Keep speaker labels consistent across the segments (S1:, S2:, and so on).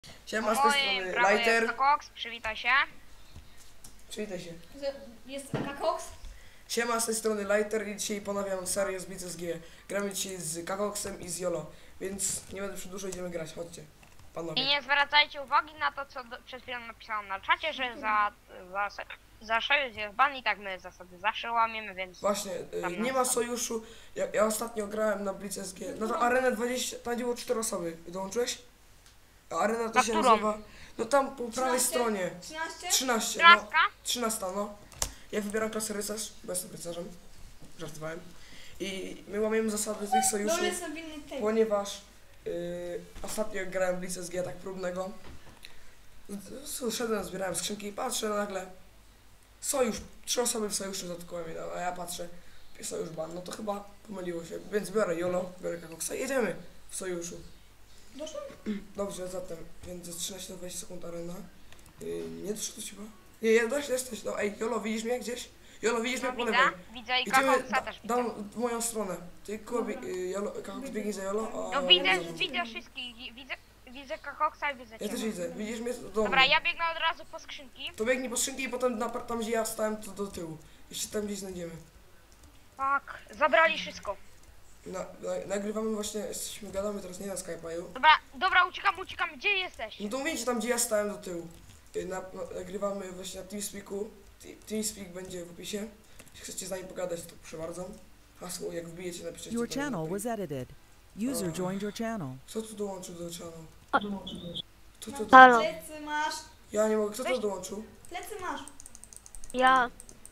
S1: Siema, z tej strony Lighter.
S2: Jest Cox, przywitaj się.
S1: Przywitaj się.
S3: Jest Kakox.
S1: Siema, z tej strony Lighter i dzisiaj ponawiam serię z Blitz SG. Gramy dzisiaj z Kakoxem i z Yolo, więc nie będę przedłużał, idziemy grać, chodźcie. Panowie.
S2: I nie zwracajcie uwagi na to, co przed chwilą napisałam na czacie, że za sojusz jest ban i tak my zasady zawsze łamiemy, więc...
S1: Właśnie, nie ma sojuszu. Ja ostatnio grałem na Blitz SG. No to Arenę 20, tam gdzie było 4 osoby. Dołączyłeś? A Arena to
S2: Na
S1: się
S2: którą?
S1: nazywa... No tam po prawej
S3: 13?
S1: stronie.
S3: 13?
S1: 13, no. 13, no. Ja wybieram klasę rycerz, bo jestem rycerzem. Żartowałem. I my łamiemy zasady tych sojuszów,
S3: Dole są winny tej.
S1: ponieważ ostatnio jak grałem w Blitz SG tak próbnego, szedłem, zbierałem skrzynki i patrzę nagle sojusz, 3 osoby w sojuszu zatkałem, a ja patrzę, sojusz ban, no to chyba pomyliło się, więc biorę Yolo, biorę Kakoxa i jedziemy w sojuszu.
S3: Doszło?
S1: Dobrze, zatem, więc ze 13 do 20 sekund arena. Nie doszło chyba? Nie, jesteś, no ej, Yolo, widzisz mnie gdzieś? Yolo, widzisz mnie po lewej.
S2: Widzę i
S1: Idziemy,
S2: Coxa też widzę.
S1: dam w moją stronę. Ty, Kakox biegnie za Yolo, a...
S2: Widzę wszystkich, widzę Coxa i widzę
S1: Ja
S2: ciebie.
S1: też widzę, widzisz mnie? Do
S2: Dobra,
S1: mnie.
S2: ja biegnę od razu po skrzynki.
S1: To biegnij po skrzynki i potem tam gdzie ja stałem, to do tyłu. Jeśli tam gdzieś znajdziemy.
S2: Tak, zabrali wszystko.
S1: Nagrywamy właśnie, gadamy teraz nie na Skype'u.
S2: Dobra, uciekam, gdzie jesteś?
S1: No to mówicie tam gdzie ja stałem do tyłu. Nagrywamy właśnie na TeamSpeaku. TeamSpeak będzie w opisie. Jeśli chcecie z nami pogadać, to proszę bardzo. Hasło, jak wbijecie, napiszecie.
S4: Your channel was edited. User joined your channel.
S1: Kto tu dołączył do channelu? To.
S3: Plecy masz.
S1: Ja nie mogę, kto to dołączył?
S3: Plecy masz.
S2: Ja.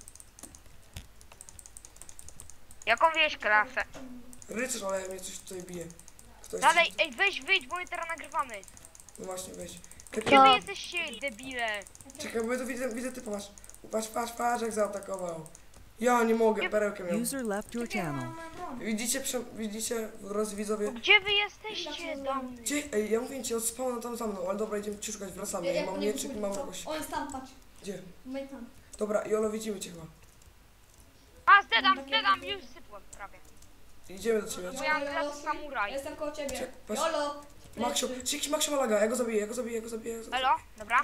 S2: Jaką wieś klasę?
S1: Rycerz, ale mnie coś tutaj bije. Ktoś
S2: Dalej, ej, wyjdź, bo my teraz nagrywamy.
S1: No właśnie, weź.
S2: Gdzie wy jesteście, debile?
S1: Czekaj, bo ja tu widzę typa masz. Patrz jak zaatakował. Ja nie mogę, perełkę miał.
S4: User left your
S3: Czekaj,
S4: channel.
S3: mam broń.
S1: Widzicie, drodzy widzowie?
S2: Gdzie wy jesteście, damy?
S1: Gdzie? Ej, ja mówię ci, od spawna tam za mną, ale dobra, idziemy ci szukać, wracamy. Ja mam mieczyk, mam jakoś...
S3: On jest tam, patrz.
S1: Gdzie?
S3: My tam.
S1: Dobra, Jolo, widzimy cię chyba.
S2: A, zdedam, już sypłem prawie.
S1: Idziemy do ciebie.
S2: Bo ja mam klasę samuraj.
S3: Jestem koło ciebie.
S1: Czek, patrz.
S3: Jolo.
S1: Maksio, czy Maksio ma laga, ja go zabiję.
S2: Elo, dobra.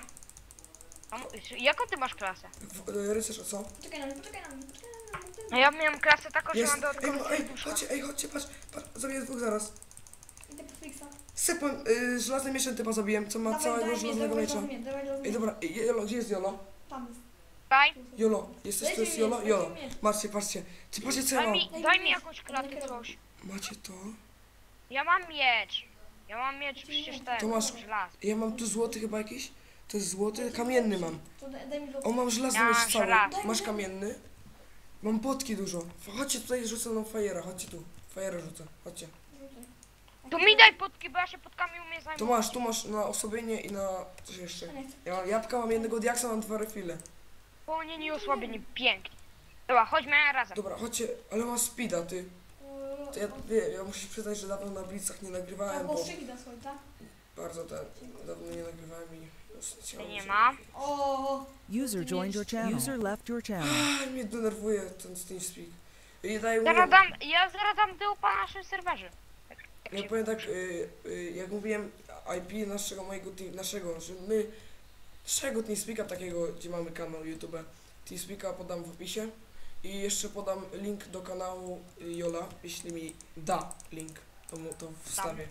S2: Jaką ty masz klasę?
S1: Rycerz, a co?
S3: Poczekaj na mnie.
S2: No ja miałem klasę taką, że
S1: Jest,
S2: mam dodatkowo
S1: chodźcie, patrz, zabiję 2 zaraz.
S3: Idę po fixa.
S1: Sypłem, żelazny mieczem typa zabiłem, co ma całego żelaznego miecza. Ej, dobra, Jolo, gdzie jest Jolo?
S3: Tam jest.
S2: Daj,
S1: Jolo, jesteś, to jest Jolo? Jolo, patrzcie. Ty patrzcie co ja mam.
S2: daj mi jakąś klatkę, coś.
S1: Macie to?
S2: Ja mam miecz, przecież ten,
S1: To masz-
S2: żelaz.
S1: Ja mam tu złoty chyba jakiś? To jest złoty, kamienny mam.
S3: To daj mi
S1: O, mam żelazny
S2: Ja
S1: miecz
S2: mam
S1: cały.
S2: żelazny.
S1: Masz kamienny? Mam potki dużo. Chodźcie tutaj, rzucę nam fajera, chodźcie tu. Fajera rzucę, chodźcie.
S2: Tu mi daj potki, bo ja się potkami umiem zajmować.
S1: Tu masz na osłabienie i na coś jeszcze. Ja mam jabłka, mam jednego diaksa, mam 2 refile.
S2: Połonienie i osłabienie, pięknie. Dobra, chodźmy razem.
S1: Dobra, chodźcie, ale mam speeda, ty. To ja muszę się przyznać, że dawno na blitzach nie nagrywałem, bo
S3: szyki da swoje, tak?
S1: bardzo dawno nie nagrywałem i...
S2: Nie ma.
S3: O.
S4: User joined your channel. User left your channel.
S1: Mnie denerwuje ten TeamSpeak. I daję
S2: Ja zaraz dam tył po naszym serwerze.
S1: Ja powiem tak, jak mówiłem IP naszego, że my naszego TeamSpeaka takiego, gdzie mamy kanał YouTube, TeamSpeaka podam w opisie i jeszcze podam link do kanału Jola, jeśli mi da link, to wstawię.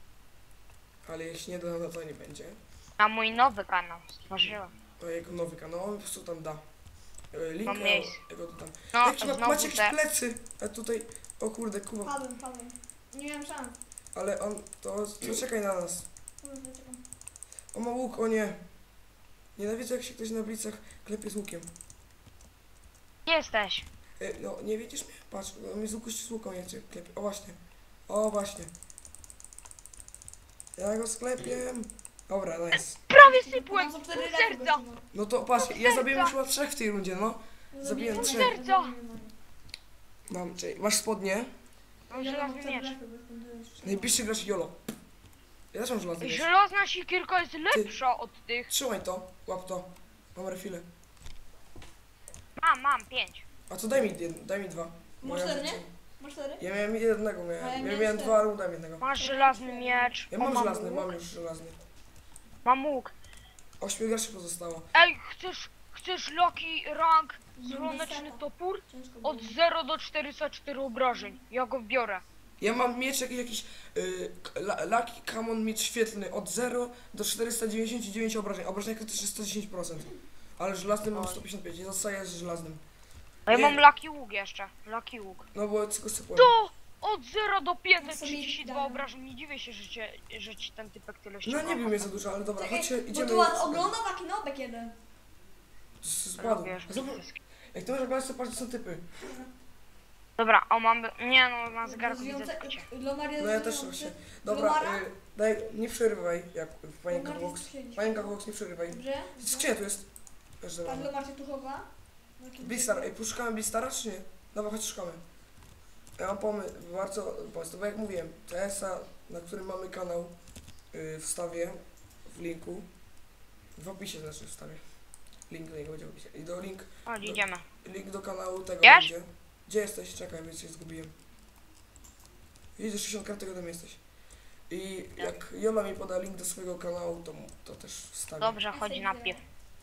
S1: Ale jeśli nie da, no to nie będzie.
S2: Na mój nowy kanał stworzyłem.
S1: To jego nowy kanał, on po prostu tam da. Link,
S2: Mam miejsce.
S1: jego to tam.
S2: No,
S1: Macie jakieś plecy, a tutaj, o kurde, Kuba,
S3: Padłem. Nie miałem szans.
S1: ale on, to czekaj na nas.
S3: Czekam.
S1: O, ma łuk, o nie. Nienawidzę jak się ktoś na blicach klepie z łukiem.
S2: Gdzie jesteś?
S1: No, nie widzisz mnie? Patrz, on mi z łuku z łuką nie chce klepie. O właśnie. Ja go sklepię. Dobra, nice.
S2: Prawie sypłem,
S3: Mam
S2: pół
S3: 4
S2: serca.
S1: No to patrz, ja zabiłem już chyba 3 w tej rundzie, no. Zabiłem 3.
S2: serca.
S1: Mam, czyli masz spodnie.
S2: Mam żelazny miecz.
S1: Najbliższy gracz Jolo. Ja też mam żelazny miecz.
S2: Żelazna sikierka jest lepsza od tych.
S1: Trzymaj to, łap to. Mam refile.
S2: Mam 5.
S1: A co daj mi 2.
S3: Masz 4, nie? Masz 4?
S1: Ja miałem jednego,
S3: A ja
S1: ja
S3: miałem
S1: miałem 2, ale dałem jednego.
S2: Masz żelazny miecz.
S1: Ja mam żelazny, mam już żelazny.
S2: Mam łuk.
S1: 8 graczy pozostało.
S2: Ej, chcesz Loki rank słoneczny topór?
S3: Ciężko było.
S2: Od 0 do 404 obrażeń. Ja go biorę.
S1: Ja mam miecz jakiś Lucky Common miecz świetlny od 0 do 499 obrażeń. Obrażenia krytyczne 110%. Ale żelaznym mam 155, nie zostaje z żelaznym.
S2: A ja
S1: Nie.
S2: mam Lucky łuk jeszcze. Lucky łuk.
S1: No bo tylko sypłem.
S2: To! Od 0 do
S3: Ja
S2: 532
S3: sobie
S2: obrażeń. Nie dziwię się, że ci ten typek tyle
S1: No
S2: ściąga.
S1: nie wiem, jest za dużo, ale dobra,
S3: Czekaj,
S1: chodźcie,
S3: bo
S1: idziemy.
S3: tu ogląda taki nobek jeden.
S1: Spadł.
S2: Wiesz,
S1: Zobacz, jak ty możesz oglądać, to patrz, co są typy.
S2: Dobra, o mam... Nie no, na zegarku widzę
S3: Rozwiąza-
S2: tycie.
S3: Lomar jest
S1: No ja też
S3: rozwiązujący.
S1: właśnie. Dobra,
S3: Lomara?
S1: daj, nie przerywaj, jak panienka
S3: Lomar
S1: Vox.
S3: jest przyjęć.
S1: Panienka Vox, nie przerywaj.
S3: Dobrze?
S1: Skrzynia tu jest. Też
S3: Pan
S1: dobra.
S3: Lomar się tu chowa.
S1: Blistar, ej, poszukamy Blistara, czy nie? Dobra, chodź, szukamy. Ja mam bardzo pomysł, bo jak mówiłem, TS-a, na którym mamy kanał, wstawię w linku. W opisie znaczy wstawię. Link do niego będzie w opisie. I do link
S2: Idziemy.
S1: do kanału tego
S2: Wiesz?
S1: będzie. Gdzie jesteś? Czekaj, bo się zgubiłem. Widzisz, 60 kartek ode mnie jesteś. I jak Jola mi poda link do swojego kanału, to też wstawię.
S2: Dobrze, chodź na piw.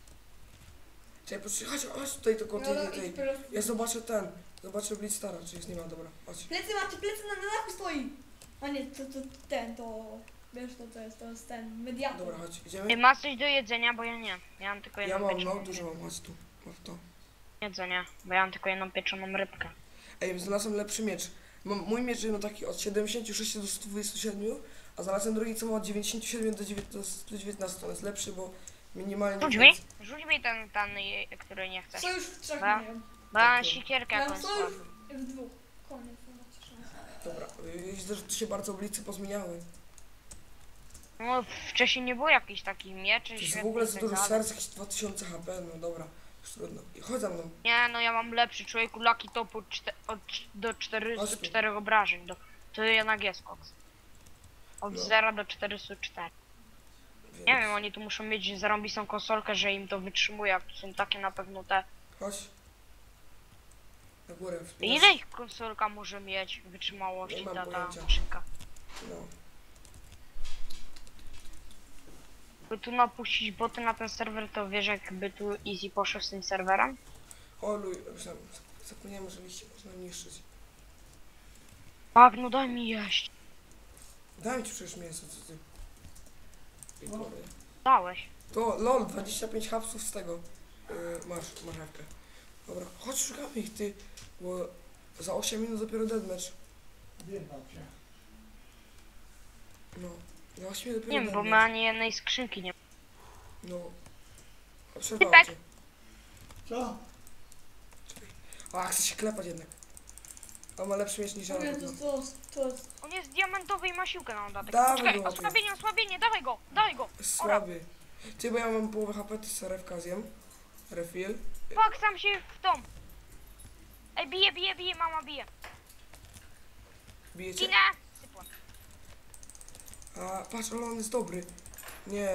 S1: Czekaj, chodź tutaj tylko tej. Ja zobaczę zobaczę Blitzstara, czy jest, nie ma, dobra, chodź.
S3: Plecy macie, plecy na dachu stoi. A nie, to ten, to... Wiesz to jest ten, mediator.
S1: Dobra, chodź,
S2: Ej,
S1: idziemy.
S2: masz coś do jedzenia, bo ja nie. Ja mam tylko
S1: Ja
S2: jedną
S1: mam,
S2: pieczoną
S1: no, dużo mam, chodź tu. Masz to.
S2: jedzenie, bo ja mam tylko jedną pieczoną rybkę.
S1: Ej, znalazłem lepszy miecz. Mój miecz jest taki od 76 do 127, a znalazłem drugi, co ma od 97 do 119. On jest lepszy, bo minimalnie...
S2: Rzuć mi ten, który nie chcesz.
S3: Co już w trzech
S2: Ba.
S3: mają.
S2: Bo ja mam sikierkę
S3: Ja
S2: jakąś
S3: co już
S2: słabą.
S3: w dwóch. Koniec, no macie szansę.
S1: Dobra, widzę, że tu się bardzo oblicy pozmieniały.
S2: No, wcześniej nie było jakichś takich mieczy,
S1: To jest w
S2: świetnych
S1: ogóle
S2: i
S1: za
S2: tak
S1: dużo
S2: dalej.
S1: serc, jakieś 2000 HP, no dobra. Już trudno. I chodź za mną.
S2: Nie, no ja mam lepszy człowieku, Lucky Topór do 404 obrażeń. To jednak jest koks. Od
S1: No.
S2: 0 do 404.
S1: Więc...
S2: Nie wiem, oni tu muszą mieć zarąbistą konsolkę, że im to wytrzymuje, a tu są takie na pewno te...
S1: Chodź. Na górę.
S2: Ile ich konsolka może mieć
S1: Nie
S2: wytrzymałości
S1: mam
S2: ta
S1: pojęcia.
S2: maszynka?
S1: No.
S2: By tu napuścić boty na ten serwer, to wiesz jakby tu Easy poszedł z tym serwerem?
S1: O luj, zapomniałem, że liście można niszczyć.
S2: Tak, no daj mi jeść.
S1: Daj ci przecież mięso, co ty. I
S3: No.
S2: Dałeś.
S1: To lol, 25 hapsów z tego. Masz marchewkę. Dobra, chodź szukamy ich, ty. Bo za 8 minut dopiero deathmatch. No. Za 8 minut dopiero
S2: Nie wiem, bo my
S1: deathmatch.
S2: ani jednej skrzynki nie...
S1: No. A przerwało
S2: Typek.
S1: cię.
S5: Co?
S1: A, chce się klepać jednak. On ma lepszy miecz niż ja.
S3: Mówię,
S1: na pewno.
S3: to jest...
S2: On jest diamentowy i ma siłkę na dodatek.
S1: Dawaj
S2: Czekaj,
S1: go,
S2: osłabienie, dawaj go, dawaj go.
S1: Jest słaby. Ty, bo ja mam połowę HP, ty serewka zjem. Refill.
S2: Fuck, sam się w dom. Ej, bije, mama bije.
S1: Bijecie?
S2: Ginę. Sypłem.
S1: A, patrz, ale on jest dobry. Nie.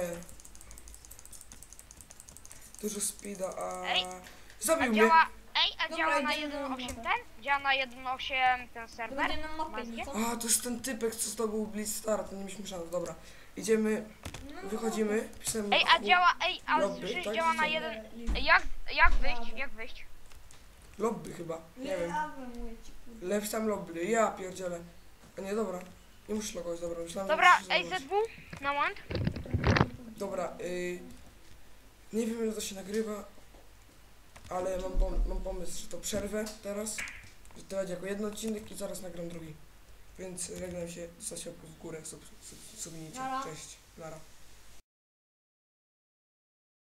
S1: Dużo speeda, a...
S2: Ej,
S1: Zabił
S2: A
S1: mnie!
S2: działa... Ej, a
S3: Dobra,
S2: działa na
S3: idziemy na
S2: 1.8
S3: mapę.
S2: ten? Działa na 1.8 ten
S3: To
S2: serwer?
S3: będzie nam mapę,
S2: Macie?
S3: nie co?
S1: A, to jest ten typek, co zdobył Blitzstar, to nie mieliśmy szans, dobra. Idziemy,
S3: No,
S1: wychodzimy, pisałem...
S2: Ej, a działa, a
S1: Lobby,
S2: słyszysz,
S1: tak?
S2: działa na
S1: Widziałem.
S2: 1...
S3: Lobby.
S2: Jak wyjść?
S1: Lobby chyba, nie
S3: Nie
S1: wiem.
S3: mówię ci, kurde.
S1: Left tam lobby, ja pierdzielę. A nie, dobra. Nie musisz logować, dobra, myślałem,
S2: Dobra,
S1: że musisz
S2: ej,
S1: logować.
S2: ZW, na moment.
S1: Dobra, nie wiem ile to się nagrywa, ale mam pomysł, że to przerwę teraz, że to będzie jako jeden odcinek i zaraz nagram drugi. Więc żegnam się, zostawcie łapkę w górę, subnijcie.
S3: Nara.
S1: Cześć, nara.